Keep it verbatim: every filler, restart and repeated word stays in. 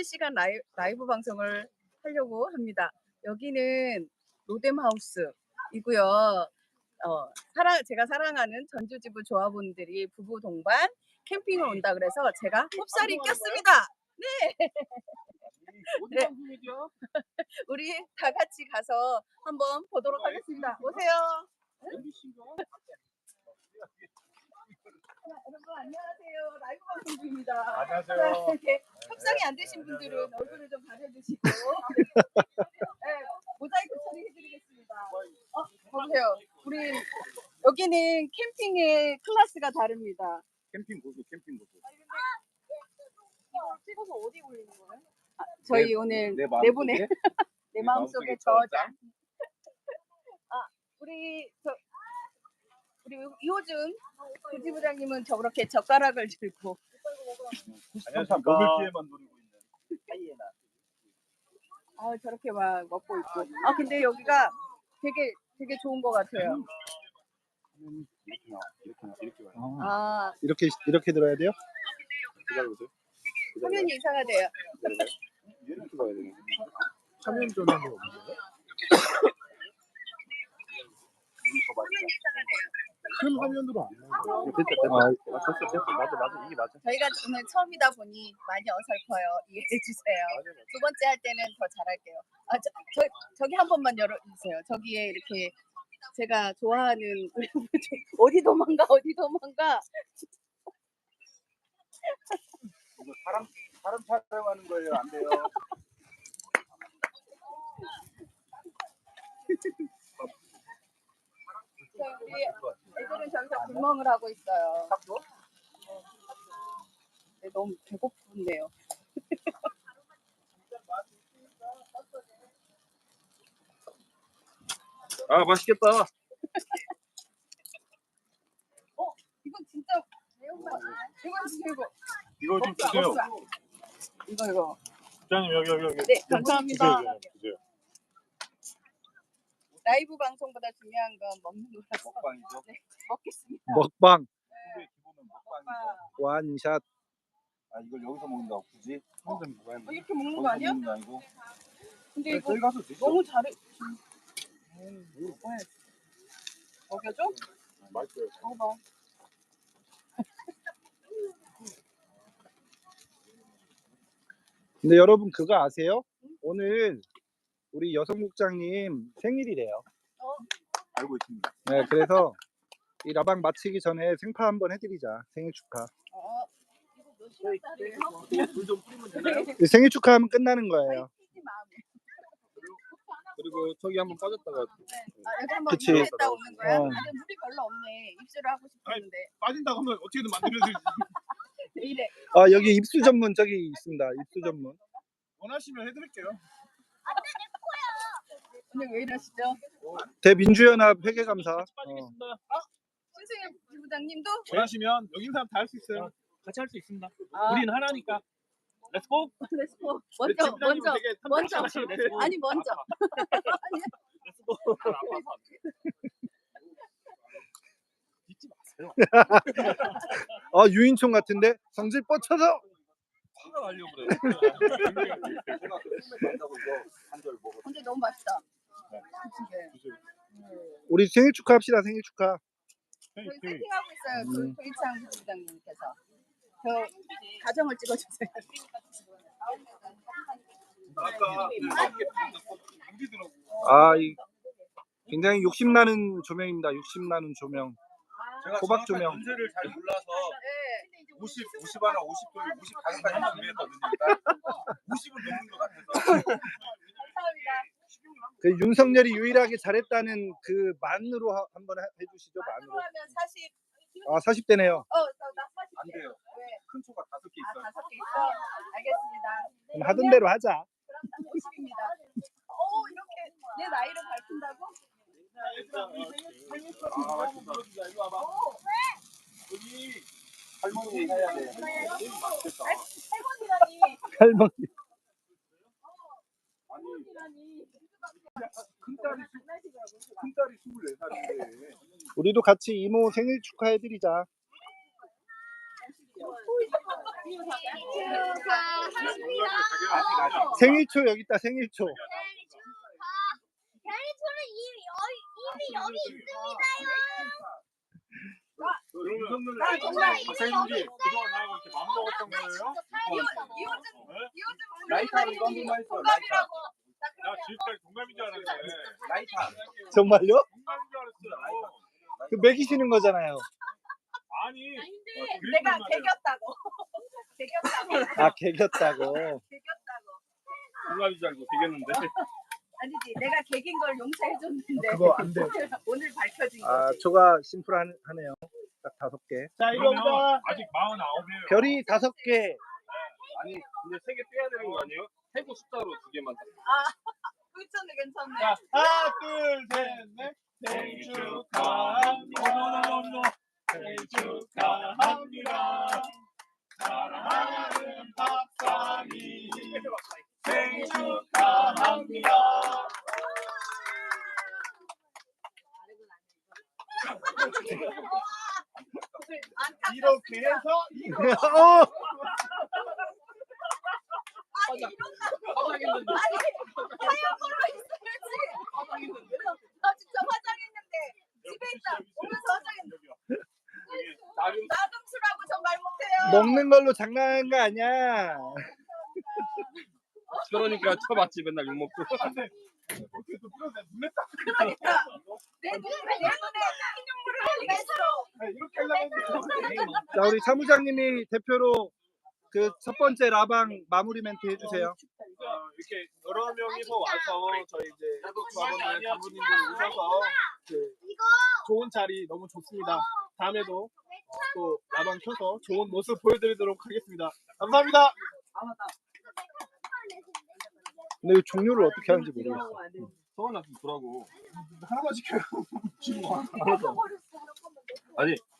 실시간 라이, 라이브 방송을 하려고 합니다. 여기는 로뎀하우스이고요. 어, 사랑, 제가 사랑하는 전주지부 조합원들이 부부 동반 캠핑을 온다 그래서 제가 홉살이 꼈습니다. 네. 네. 우리 다 같이 가서 한번 보도록 하겠습니다. 오세요. 여러분 안녕하세요. 라이브 방송 중입니다. 안녕하세요. 이렇게 협상이 안 되신 분들은 얼굴을 좀 가려주시고 네, 모자이크 처리해드리겠습니다. 어, 보세요. 우리 여기는 캠핑의 클래스가 다릅니다. 캠핑 고수, 캠핑 고수. 이걸 찍어서 어디 올리는 거예요? 아, 저희 내, 오늘 내 네 분의 마음속에? 내 마음속에 저장. 아, 우리 저 우리 이호준 부지부장님은 저렇게 젓가락을 들고. 안녕하세요. 먹을 기회만 노리고 있는 하이에나. 아, 저렇게 막 먹고 있고. 아, 근데 여기가 되게 되게 좋은 것 같아요. 이렇게 나, 이렇게 나, 이렇게 와요. 아, 이렇게 이렇게 들어야 돼요? 기다려보세요. 화면이 이상하대요. 이렇게 봐야 되는. 화면 전환이 없는데? 큰 화면으로 안 나와요. 됐다, 됐다. 아, 됐어, 됐어. 맞아, 맞아. 이게 맞아. 저희가 오늘 처음이다 보니 많이 어설퍼요. 이해해 주세요. 두 번째 할 때는 더 잘할게요. 아, 저, 저 저기 한 번만 열어주세요. 저기에 이렇게 제가 좋아하는 어디 도망가 어디 도망가. 이거 사람, 사람 촬영하는 거예요. 안 돼요. 우리 애들은 저기서 불멍을 하고 있어요. 네, 너무 배고픈데요. 아, 맛있겠다. 어, 이건 진짜 매운맛. 이건 진짜 이거. 이거 좀 먹자, 주세요. 먹자. 이거 이거. 부장님, 여기, 여기, 여기. 네, 감사합니다. 주세요, 주세요. 라이브 방송보다 중요한 건 먹는 거라서. 먹방이죠. 네, 먹겠습니다. 먹방 후배 기본은 먹방이죠. 완샷. 아, 이걸 여기서 먹는다고 굳이? 혼자 먹어야 어, 이렇게 먹는 거 아니야? 먹는 거 아니고. 근데 네, 이거 저희 가서 드시죠. 너무 잘해. 먹여줘? 맛있어요. 먹어봐. 근데 여러분 그거 아세요? 오늘 우리 여성국장님 생일이래요. 어? 알고 있습니다. 네, 그래서 이 라방 마치기 전에 생파 한번 해드리자. 생일 축하. 어. 이거 몇 시간짜리예요? 물좀 뿌리면 되나요? 이 생일 축하하면 끝나는 거예요. 튀지 마. 그리고 저기 한번 빠졌다가 아, 여기 한번 그치. 물에다 오는 거야? 어. 아, 근데 물이 별로 없네. 입술을 하고 싶었는데. 빠진다고 하면 어떻게든 만들어야지. 왜 이래? 아 여기 입수 전문 저기 있습니다. 입수 전문. 원하시면 해드릴게요. 오늘 왜 이러시죠? 대민주연합 회계감사. 어. 신승현 부부장님도? 원하시면 여기 있는 사람 다 할 수 있어요. 같이 할 수 있습니다. 아, 우리는 하나니까. 렛츠고. 렛츠고. 먼저, 먼저. 먼저. 렛츠고. 아니, 먼저. 렛츠고. 잊지 마세요. 아 유인총 같은데 성질 뻗쳐서. 화가 나려고 그래. 제가 그 꿈에 간다고 이거 한절 먹어. 근데 너무 맛있다. 네. 그치? 우리 생일 축하합시다. 생일 축하. 저희 세팅하고 있어요. 그 음. 조이창 부부장님께서. 저 가정을 찍어주세요. 아까 우리더라고. 아, 이 굉장히 욕심나는 조명입니다. 욕심나는 조명. 제가 호박 정확한 조명. 연세를 잘 몰라서 네. 오십, 오십 하나, 오십 둘, 오십다섯까지 준비했거든요. 일단 오십은 넘는 것 같아서. 감사합니다. 그 윤석열이 유일하게 잘했다는 그 만으로 하- 한번 해- 해주시죠. 만으로 만으로. 하면 사십. 아 사십 대네요. 어, 나, 나 사십. 안 돼요. 왜? 큰 초가 다섯 개 아, 있어요. 다섯 개 있어? 알겠습니다. 그럼 하던 대로 하자. 그럼 오십입니다. 오, 이렇게 내 나이를 밝힌다고? 아, 맛있다. 이리 와봐. 여기 할머니 해야 돼. 맛있겠다. 할머니라니. 할머니. 아니, 큰 딸이 큰 딸이 스물네 살인데. 우리도 같이 이모 생일 축하해드리자. 축하합니다. 생일초 여기 있다. 생일초. 생일초는 이미 여기 이미 여기 있습니다요. 그러면 정말 박사님들이 그동안 나하고 이렇게 맘 먹었던 거예요? 라이터 이거 한 번만 있어. 라이터. 나 지금까지 동갑인 줄 알았는데 라이터. 정말요? 동갑인 줄 알았어. 그 먹이시는 거잖아요. 아니 내가 개겼다고. 개겼다고. 아 개겼다고. 개겼다고. 동갑인 줄 알고 되겠는데. 아니지, 내가 개긴 걸 용서해줬는데 그거 안 돼. 오늘 밝혀진 아 거지. 초가 심플하네요. 딱 다섯 개. 자 그러면 아직 마흔아홉이에요. 별이 다섯 개. 아니 근데 세 개 빼야 되는 거 아니에요? 세고 숫자로 두 개만. 괜찮네, 괜찮네. 자 하나 둘 셋 넷. 생일 축하합니다. 생일 축하합니다. 사랑하는 박사님 생일 축하합니다. 이렇게 해서 이거 어! 아니, 이런다고. 아니, 하얀 걸로 있어야지. 나 진짜 화장했는데 집에 있다. 오면서 화장했는데. 나금수라고 전 말 못해요. 먹는 걸로 장난한 거 아니야. 그러니까 쳐봤지 맨날 욕 먹고. 그러니까 내 눈에 내 눈에 흰 눈물을 흘리겠어. 이렇게 하려고. 자 우리 사무장님이 대표로 그 첫 번째 라방 마무리 멘트 해주세요. 어, 이렇게 여러 명이서 와서 저희 이제 조합원들 간부님들 오셔서 그 좋은 자리 너무 좋습니다. 다음에도 어, 또 라방 켜서 좋은 모습 보여드리도록 하겠습니다. 감사합니다. 근데 이 종류를 어떻게 하는지 모르겠어. 서원 나좀 주라고. 하나만 시켜요. 아니